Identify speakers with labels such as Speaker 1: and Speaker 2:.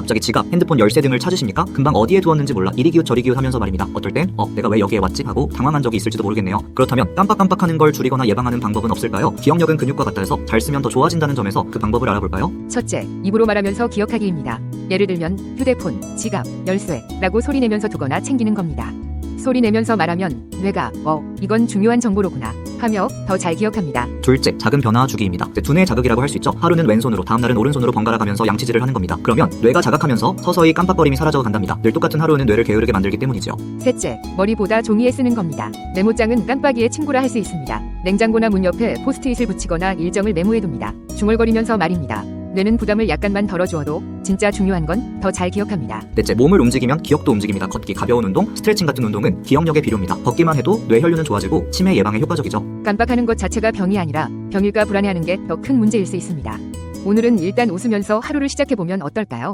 Speaker 1: 갑자기 지갑, 핸드폰, 열쇠 등을 찾으십니까? 금방 어디에 두었는지 몰라 이리 기웃 저리 기웃 하면서 말입니다. 어떨 땐 내가 왜 여기에 왔지? 하고 당황한 적이 있을지도 모르겠네요. 그렇다면 깜빡깜빡하는 걸 줄이거나 예방하는 방법은 없을까요? 기억력은 근육과 같다 해서 잘 쓰면 더 좋아진다는 점에서 그 방법을 알아볼까요?
Speaker 2: 첫째, 입으로 말하면서 기억하기입니다. 예를 들면 휴대폰, 지갑, 열쇠라고 소리내면서 두거나 챙기는 겁니다. 소리내면서 말하면 뇌가 이건 중요한 정보로구나 하며 더 잘 기억합니다.
Speaker 1: 둘째, 작은 변화 주기입니다. 두뇌 자극이라고 할 수 있죠. 하루는 왼손으로, 다음날은 오른손으로 번갈아 가면서 양치질을 하는 겁니다. 그러면 뇌가 자각하면서 서서히 깜빡거림이 사라져 간답니다. 늘 똑같은 하루는 뇌를 게으르게 만들기 때문이죠.
Speaker 2: 셋째, 머리보다 종이에 쓰는 겁니다. 메모장은 깜빡이의 친구라 할 수 있습니다. 냉장고나 문 옆에 포스트잇을 붙이거나 일정을 메모해둡니다. 중얼거리면서 말입니다. 뇌는 부담을 약간만 덜어주어도 진짜 중요한 건 더 잘 기억합니다.
Speaker 1: 넷째, 몸을 움직이면 기억도 움직입니다. 걷기, 가벼운 운동, 스트레칭 같은 운동은 기억력에 필요합니다. 걷기만 해도 뇌 혈류는 좋아지고 치매 예방에 효과적이죠.
Speaker 2: 깜빡하는 것 자체가 병이 아니라 병일까 불안해하는 게 더 큰 문제일 수 있습니다. 오늘은 일단 웃으면서 하루를 시작해보면 어떨까요?